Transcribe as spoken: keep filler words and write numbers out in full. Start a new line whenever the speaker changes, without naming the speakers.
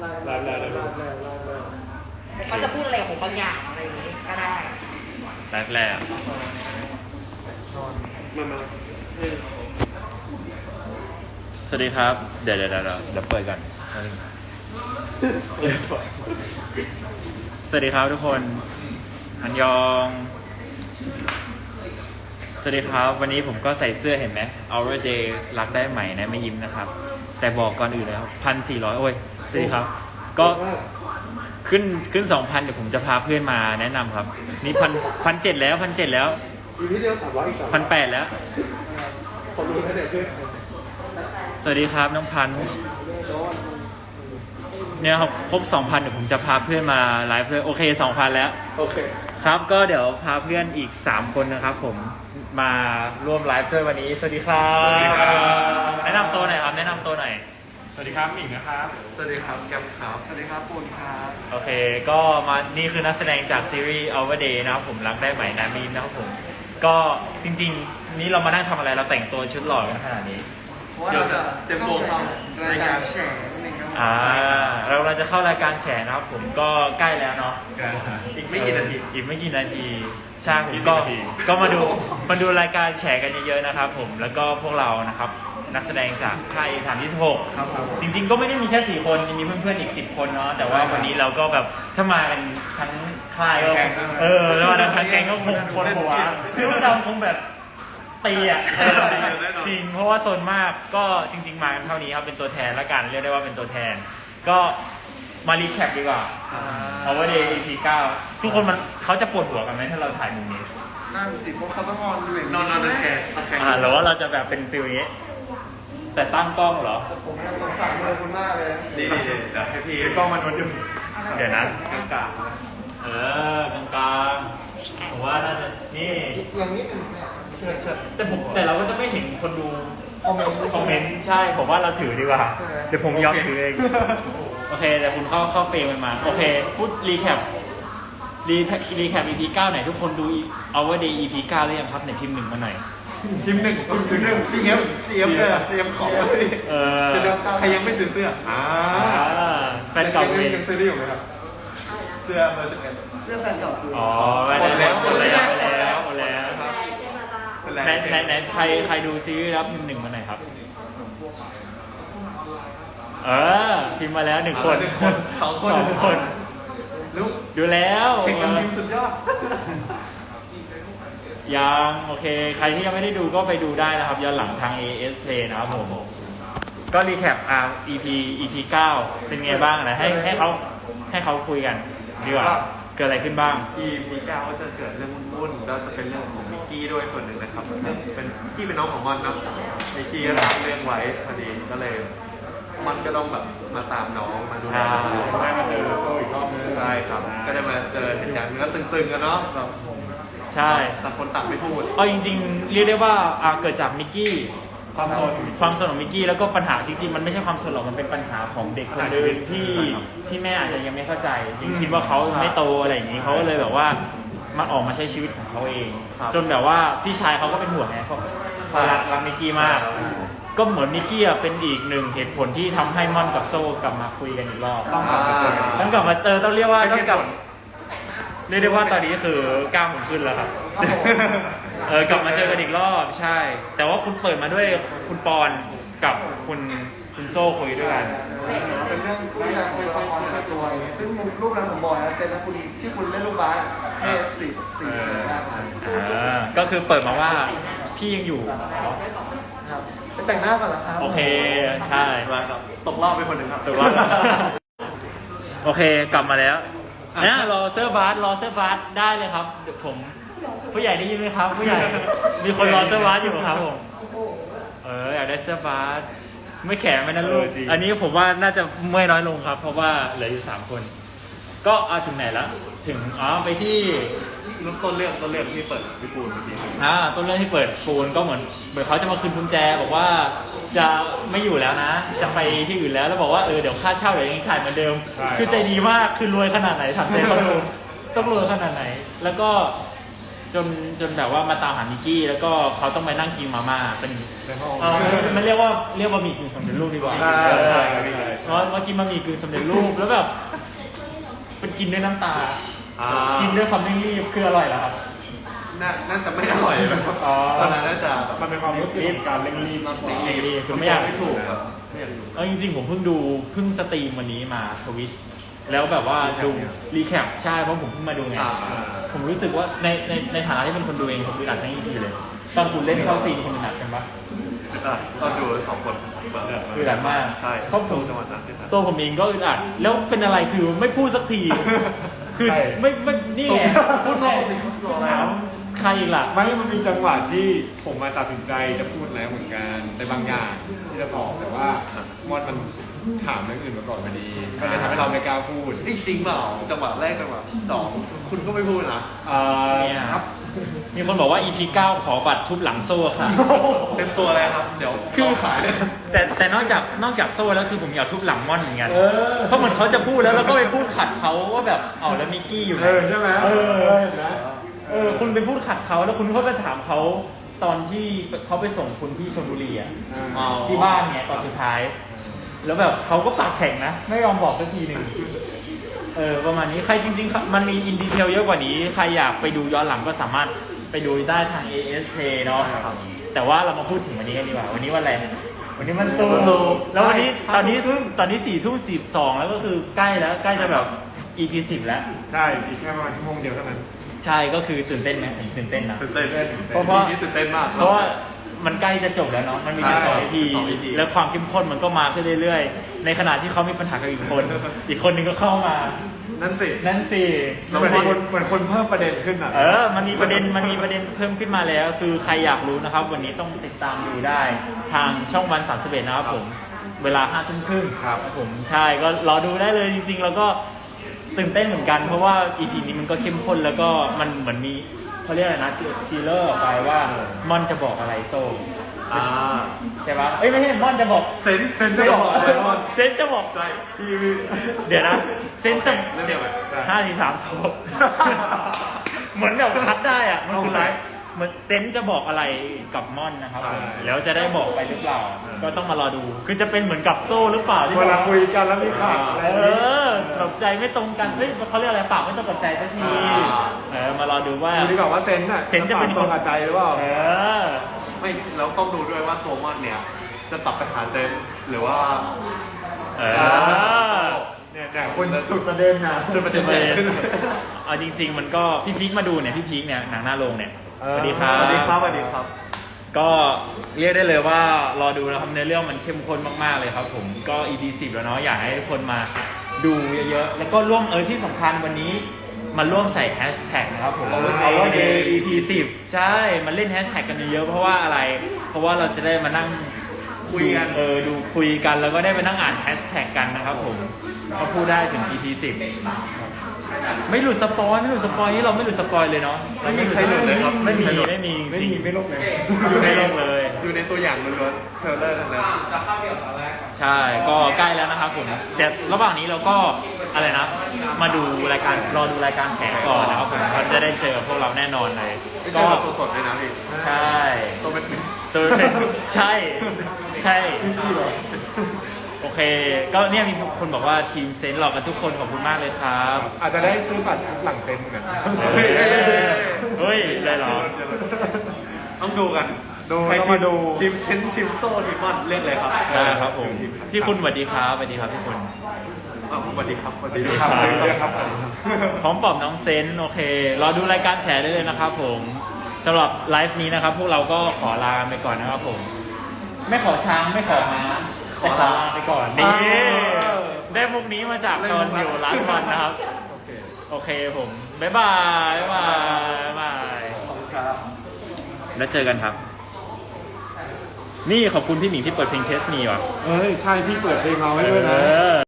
ไลฟ์ไลฟ์ไลฟ์
เขาจะพูดอะไรกับผมบางอย่างอะไรอย่างนี้ก็ได้
ไลฟ์แรกสวัสดีครับเดี๋ยวเดี๋ยวเดี๋ยวเดี๋ยวเปิดก่อนสวัสดีครับทุกคนอันยองสวัสดีครับวันนี้ผมก็ใส่เสื้อเห็นไหม Our Day รักได้ใหม่นะไม่ยิ้มนะครับแต่บอกก่อนอื่นเลยครับพันสี่ร้อยโอ้ยสวัสดีครับก็ขึ้นขึ้นสองพันเดี๋ยวผมจะพาเพื่อนมาแนะนำครับนี่พันพันเจ็ดแล้วพันเจ็ดแล้ว
อีพีเดียวสามร้อยอีกสาม
พันแปดแล้ว
ขอรู้ให้เด็กขึ้น
สวัสดีครับน้องพันเนี่ยครับครบสองพันเดี๋ยวผมจะพาเพื่อนมาไลฟ์เลยโอเคสองพันแล้ว
โอเค
ครับก็เดี๋ยวพาเพื่อนอีกสามคนนะครับผมมาร่วมไลฟ์ด้วยวันนี้สวัสดีครับแนะนำตัวหน่อยครับแนะนำตัวหน่อย
สวัสดีครับหมิงนะครับ
สวัสดีครับแกมขาวสวัสดีครับปูนครับ
โอเคก็มานี่คือนักแสดงจากซีรีส์ Our Day นะครับผมรักได้ใหม่นามีนนะครับผมก็จริงๆนี้เรามานั่งทำอะไรเราแต่งตัวชุดหล่อกันขนาดนี้
เดี๋ยวจะเต็มโบเข้ารายการแฉ
อ่าเราเราจะเข้ารายการแฉนะครับผมก็ใกล้แล้วเนาะ
อีกไม่กี่นาที
อีกไม่กี่นาทีใช่ผมก็ก็มาดูมาดูรายการแฉกันเยอะๆนะครับผมแล้วก็พวกเรานะครับนักแสดงจากค่ายฐานที่สิบหกจริงๆก็ไม่ได้มีแค่สี่คนมีเพื่อนๆอีกสิบคนเนาะแต่ว่าวันนี้เราก็แบบถ้ามากันทั้งค่ายก็เออแล้วมาทั้งแก๊งก็คงคนหัวคือพวกเราคงแบบตีอ่ะจริงเพราะว่าโซนมากก็จริงๆมากันเท่านี้ครับเป็นตัวแทนละกันเรียกได้ว่าเป็นตัวแทนก็มารีแคปดีกว่าเอาว่าเดย์ อี พี เก้าทุกคนมันเขาจะปวดหัวกันไหมถ้าเราถ่ายมุมนี้
นั่นสิเพราะเขาต้องนอนอยู่
นอนนอนแชร์
อ่าหรือว่าเราจะแบบเป็นฟิลนี้แต่ตั้งกล้องเหรอ
ผมสงสารเลยคุณมากเลย
ดีดีเดี๋ยวให้พี่กล้องมันวนอยู่
เดี๋ยวนะ
กลางกลาง
เออกลางกลางผมว่าน่าจะนี่
อย่างนี้
แต่ผมแต่เราก็จะไม่เห็นคนดูคอมเมนต์คอมเมนต์ใช่ผมว่าเราถือดีกว่าเดี๋ยวผมยอมถือเองโอเคแต่คุณเข้าเข้าเฟรมมาโอเคพูดรีแคปรีรีแคป อี พี เก้าไหนทุกคนดู Our Day อี พี เก้าหรือยังครับไหนพิมพ์หนึ่งมาหน่อย
พิมพ์หนึ่งพิมพ์หนึ่งซีเอ็มซีเอ็มเลยซีเอ็มของเลย
เออ
ใครยังไม่ซื้อเสื้ออ่า
แฟนเก่าเลย
ยังซื้อได้อยู่ไหมครับเสื้อเบอร์สิบเอ็ดเสื้อแฟนเก่า
อ๋อหมดแล้วหมดแล้วหมดแล้วหมดแล้วไหนไหนไหนใครใครดูซีรีส์แล้วพิมพ์หนึ่งมาหน่อยครับเออพิมพ์มาแล้วหนึ่งคน
สองคน
สองคนดูแล้ว
เข่งกันพิมพ์สุดยอด
ยังโอเคใครที่ยังไม่ได้ดูก็ไปดูได้นะครับย้อนหลังทาง เอ เอส Play นะครับผมก็รีแคปอ่า อี พี อี พี เก้าเป็นไงบ้างนะให้ให้เขาให้เขาคุยกันดีกว่าเกิดอะไรขึ้นบ้าง
อี พี เก้าก็จะเกิดเรื่องวุ่นๆก็จะเป็นเรื่องของมิกกี้ด้วยส่วนหนึ่งนะครับเป็นมิกกี้เป็นน้องของมอนเนาะมิกกี้ก็รับเรื่องไว้พอดีก็เลยมันก็ต้องแบบมาตามน้องมาดูแลได้มาเจอโซ่อีกรอบนึงใช่ครับก็ได้มาเจอเหตุการณ์มันก็ตึงๆกันเนาะแบบ
ใช่
ต่างคนต่างไม่พูด
เอาจริงๆเรียกได้ว่าเกิดจากมิกกี้ความสนความสนของมิกกี้แล้วก็ปัญหาจริงๆมันไม่ใช่ความสนหรอกมันเป็นปัญหาของเด็กคนนึงที่ที่แม่อาจจะยังไม่เข้าใจยังคิดว่าเขาไม่โตอะไรอย่างนี้เขาก็เลยแบบว่ามาออกมาใช้ชีวิตของเขาเองจนแบบว่าพี่ชายเขาก็เป็นห่วงไงเขาเขารักรักมิกกี้มากก็เหมือนมิกกี้เป็นอีกหนึ่งเหตุผลที่ทำให้ม่อนกับโซ่กลับมาคุยกันอีกรอบต้องกลับมาเจอต้องเรียกว่าต้องกลับเรียกได้ว่าตอนนี้คือกล้ามผมขึ้นแล้วครับเออกลับมาเจอกันอีกรอบใช่แต่ว่าคุณเปิดมาด้วยคุณปอนกับคุณคุณโซ่คุยด้วยกัน
เป็นเรื่องที่จะคุยละครในตัวซึ่งรูปนั้นผมบอกนะเซนนะคุณที่คุณเล่นลูกบาสเอสิบสี่
ก็คือเปิดมาว่าพี่ยังอยู่
ครับไปแต่งหน้าก่อนเหรอครับ
โอเคใช่
มาครับตกรอบไปคนหนึ่งครับ
ตกรอบโอเคกลับมาแล้วนะรอเสื้อบาสรอเสื้อบาสได้เลยครับเดี๋ยวผมผู้ใหญ่ได้ยินไหมครับผู้ใหญ่มีคนรอเสื้อบาสอยู่ครับผมเอออยากได้เสื้อบาสไม่แข็งไม่นั่นลูกอันนี้ผมว่าน่าจะเมื่อยน้อยลงครับเพราะว่าเหลืออยู่สามคนก็เอาถึงไหนแล้วถึงอ๋อไปที่
ต้นเรื่องต้นเรื่องที่เปิดที่ปูนเมื่อกี้
อ่าต้นเรื่องที่เปิดปูนก็เหมือนเหมือนเขาจะมาคืนกุญแจบอกว่าจะไม่อยู่แล้วนะจะไปที่อื่นแล้วแล้วบอกว่าเออเดี๋ยวค่าเช่าเดี๋ยวยังขายเหมือนเดิมคือใจดีมากคือรวยขนาดไหนถามใจเขาดูต้องรวยขนาดไหนแล้วก็จนจนแบบว่ามาตามหามิกกี้แล้วก็เขาต้องไปนั่งกินมาม่าเป็น
เป็นห้อง
เออมันเรียกว่าเรียกบะหมี่กึ่งสำเร็จรูปดีกว่า
ใช่ใช่ใช่
เพราะว่ากินบะหมี่กึ่งสำเร็จรูปแล้วแบบเป็นกินด้วยน้ำตา
อ่า
กินด้วยความไม่รีบคืออร่อยเหรอครับ
น่าน่าจะไม่อร่อยนะครับ
อ๋อ
ตอนนั้นน่าจะ
มันเป็นความรู้สึกของการเร่งรีบมากกว่า
เร่งรีบคือไม่อยาก
ไม่ถูกครับไม่อยากดู
เออจริงๆผมเพิ่งดูเพิ่งสตรีมวันนี้มาทวิชแล้วแบบว่าดูรีแคปใช่เพราะผมเพิ่งมาดูไง
อ่า
ผมรู้สึกว่าในในในฐานะที่เป็นคนดูเองผมดูอัดทั้งอีพีเลยตอนคุณเล่นเข้าซีนคุณอัดกันปะ
อ่ะตอนดูสองคนแบบ
อึดอัดมาก
ใช่
เพราะผม
จังหวะนั้นที่
ตัวผมเองก็อึดอัดแล้วเป็นอะไรคือไม่พูดสักที คือ
ใช่
ไม่ไม่นี่ไงพูดแน่ถามใครอีกล่ะ
ไม่มันมีจังหวะที่ผมมาตัดสินใจจะพูดแล้วเหมือนกันในบางอย่างที่จะบอกแต่ว่ามอนมันถามเรื่องอื่นมาก่อนพอดีก็เลยทำให้เราไม่กล้าพูด
นี่จริงเปล่าจังหวะแรกจังหวะสองคุณก็ไม่พูดนะ
อ่า
เนี่ยครับ มีคนบอกว่า อี พี เก้าขอบัตรทุบหลังโซ่ค่ะ
เป็นตัวอะไรครับ เดี๋ยว
คือ
ขายเลยครับ
แต่แต่นอกจากนอกจากโซ่แล้วคือผมอยากทุบหลังม่อนเหมือนกัน
เออ
เพราะเหมือนเขาจะพูดแล้วแล้วก็ไปพูดขัดเขาว่าแบบเอาแล้วมิกกี้อยู่ไหน
เออใช่ไหม
เออ
เห็นไหม
เออคุณไปพูดขัดเขาแล้วคุณก็ไปถามเขาตอนที่เขาไปส่งคุณที่ชลบุรีอ่ะ
อ๋อ
ที่บ้านเนี่ยตอนสุดท้าย แล้วแบบเขาก็ปากแข็งนะ ไม่ยอมบอกสักทีหนึ่งเออประมาณนี้ใครจริงๆ มันมีอินดีเทลเยอะกว่านี้ ใครอยากไปดูย้อนหลังก็สามารถไปดูได้ทาง เอ เอส Play เนาะแต่ว่าเรามาพูดถึงวันนี้กันดีกว่า วันนี้วันอะไรวันนี้มันซู
วันศุกร์
แล้ววันนี้
ใช่
ตอนนี้ตอนนี้สี่ทุ่มสิบสองแล้วก็คือใกล้แล้วใกล้จะแบบ อี พี สิบแล้ว
ใช่อีกแค่ประมาณชั่วโมงเดียวเท่านั้น
ใช่ก็คือตื่นเต้นไหมผมตื่นเต้นนะ
ตื่นเต้น
เพราะว่า
นี่ตื่นเต้นมาก
เพราะว่ามันใกล้จะจบแล้วเนาะ มันมีแค่สอง
ใช่
อีพี
สอง อี พี
แล้วความเข้มข้นมันก็มาขึ้นเรื่อยๆ ในขณะที่เขามีปัญหากับอีกคน อีกคนนึงก็เข้ามา
นั่นสิ
นั่นสิ
เหมือนคนเหมือนคนเพิ่มประเด็นขึ้นอ่ะ
เออ มันมีประเด็น มันมีประเด็นเพิ่มขึ้นมาแล้ว คือใครอยากรู้นะครับ วันนี้ต้องติดตามดูได้ ทางช่องวันสามสิบเอ็ดนะครับผม เวลาห้าทุ่มครึ่ง
ครับ
ผม ใช่ ก็รอดูได้เลยจริงๆ แล้วก็ตื่นเต้นเหมือนกัน เพราะว่า อี พี นี้มันก็เข้มข้นแล้วก็มันเหมือนมีเขาเรียกอะไรนะทีเลอร์ออกไปว่ามอนจะบอกอะไรโต
อ่า
ใช่ปะเอ้ยไม่ใช่มอนจะบอก
เซนเซนจะบอกอะไรมอน
เซนจะบอก
ใช่ที่
เดี๋ยวนะ เซนจะ
เรื่องเดียวกัน
ห้าสี่สามสองเหมือนแบบคัดได้อะมันคือไรเหมือนเซนจะบอกอะไรกับม่อนนะครับผมแล้วจะได้บอกไปหรือเปล่า ก็ต้องมารอดู คือจะเป็นเหมือนกับโซ่หรือเปล่าที่
เว
บอก
ลา
ว่า
คุยกันแล้วมีข่าวอะไร
เออแบบใจไม่ตรงกันเฮ้ยเขาเรียกอะไรปากไม่ตรงกับใจสักทีเออมารอดูว่า
ดูดีกว่าว่าเซนน่ะ
เซนจะเป็น
ตรงกับใจหรือเปล่า
เออ
ไม่เราต้องดูด้วยว่าตัวมอนเนี่ย จะตับไปหาเซนหรือว่า
เออ
เนี่ยเนี่ยคนสุดประเด็นนะ
จะประเด็นใหญ่ขึ้น
เอาจริง ๆ มันก็พี่พีคมาดูเนี่ยพี่พีคเนี่ยหนังหน้าโรงเนี่ย
เอ
ส
อ
วัสดีครับ
สวัสดีครับสวัสดีครับ
ก็เรียกได้เลยว่ารอดูนะครับในเรื่องมันเข้มข้นมากๆเลยครับผมก็ อี พี สิบแล้วเนาะอยากให้ทุกคนมาดูเยอะๆแล้วก็ร่วมเออที่สำคัญวันนี้มาร่วมใส่แฮชแท็กนะครับผม
Our Day
Our Day อี พี สิบใช่มาเล่นแฮชแท็กกันเยอะๆเพราะว่าอะไร เพราะว่าเราจะได้มานั่ง
คุยกัน
เออดูคุยกันแล้วก็ได้ไปนั่งอ่านแฮชแท็กกันนะครับผมเขาพูดได้ถึง อี พี สิบไม่หลุดสปอยไม่หลุดสปอยนี่เราไม่หลุดสปอยเลยเนาะ
ไม่มีใครหลุดเลยครับ
ไม่มี
ไม่หลุด
ไม่มี
ไม่
จริง
มีไม่ลบเลย
อยู่ในโลกเลย
อยู่ในตัวอย่างล้วนๆเทรลเลอร์ทั้งนั้น
ใช่ ก็ใกล้แล้วนะครับผมแต่ระหว่างนี้เราก็อะไรนะ มาดูรายการรอดูรายการแฉก่อนนะครับผมเราจะได้เจอพวกเราแน่นอนเลย
ไม่
ก็
ใช่แบบสดๆเลยนะพี่
ใช่
ตัวเป็นถึง
ตัวเป็นใช่ใช่โอเค ก็เนี่ยมีคนบอกว่าทีมเซนต์หลอกกันทุกคนขอบคุณมากเลยครับ
อาจจะได้ซื้อบัตรหลังเซนนะ
เฮ้ยเฮ้ยได้เหรอ
ต้องดูกัน
ดู
ใคร
ต้อง
ที
มาดู
ทีมเชนทีมโซ่ทีมมอนเลือกเลยครับ
ได้ครับผมพี่คุณสวัสดีครับสวัสดีครับพี่คุณ
อ่ะสวัสดีครับสวัส
ดี
ดี
ค
ค
รั
รั
บบ ดีครับ
พร้อมปอบน้องเซนต์โอเค รอดูรายการแชร์ได้เลยนะครับผมสำหรับไลฟ์นี้นะครับ พวกเราก็ขอลาไปก่อนนะครับผม ไม่ขอช้างไม่ขอม้าแต่ขอลาไปก่อนนี่ได้มุกนี้มาจากตอนอยู่ร้านวันนะครับ
โอเค
โอเคผมบ๊ายบายบ๊ายบายบ๊ายบาย
ขอบคุณครับ
แล้วเจอกันครับ นี่ขอบคุณพี่หมิงที่เปิดเพลงเทสมีว่ะ
เฮ้ย ใช่พี่เปิดเพลงเราไว้ด้วย
เอ
นะ
อ